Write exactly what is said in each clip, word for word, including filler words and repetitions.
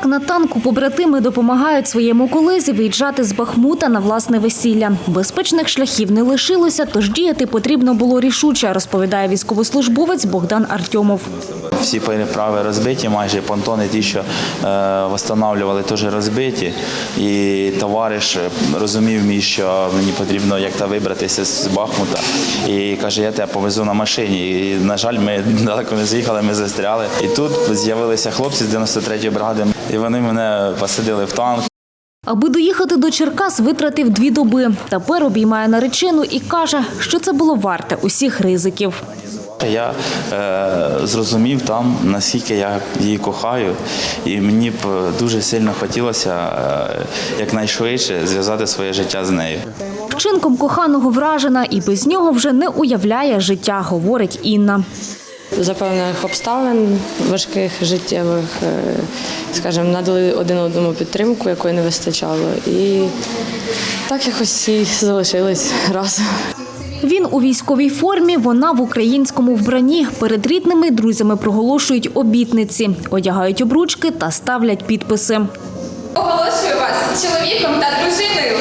на танку побратими допомагають своєму колезі виїжджати з Бахмута на власне весілля. Безпечних шляхів не лишилося, тож діяти потрібно було рішуче, розповідає військовослужбовець Богдан Артьомов. Всі переправи розбиті, майже понтони ті, що е, встановлювали, теж розбиті. І товариш розумів мій, що мені потрібно як-то вибратися з Бахмута. І каже, я тебе повезу на машині. І, на жаль, ми далеко не з'їхали, ми застряли. І тут з'явилися хлопці з дев'яносто третьої бригади, і вони мене посадили в танк. Аби доїхати до Черкас, витратив дві доби. Тепер обіймає наречену і каже, що це було варте усіх ризиків. Я е, зрозумів там, наскільки я її кохаю, і мені б дуже сильно хотілося е, якнайшвидше зв'язати своє життя з нею. Вчинком коханого вражена і без нього вже не уявляє життя, говорить Інна. За певних обставин, важких життєвих, скажімо, надали один одному підтримку, якої не вистачало. І так якось і залишились разом. Він у військовій формі, вона в українському вбранні. Перед рідними й друзями проголошують обітниці, одягають обручки та ставлять підписи. Оголошую вас чоловіком та дружиною.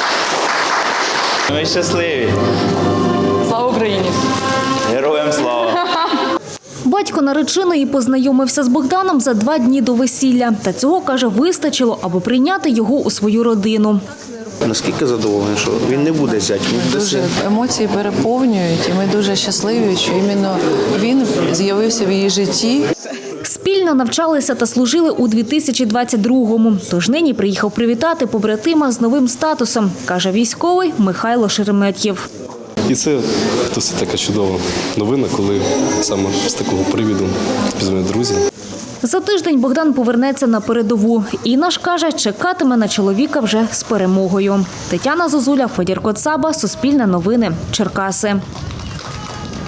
Ми щасливі. Слава Україні! Героям слава! Батько нареченої познайомився з Богданом за два дні до весілля. Та цього, каже, вистачило, аби прийняти його у свою родину. Наскільки задоволений, що він не буде зять, він буде Дуже син. емоції переповнюють, і ми дуже щасливі, що іменно він з'явився в її житті. Спільно навчалися та служили у дві тисячі двадцять другому. Тож нині приїхав привітати побратима з новим статусом, каже військовий Михайло Шереметьєв. І це досить така чудова новина, коли саме з такого привіду пізнаю друзі. За тиждень Богдан повернеться на передову. Інна ж каже, чекатиме на чоловіка вже з перемогою. Тетяна Зозуля, Федір Коцаба, Суспільне новини, Черкаси.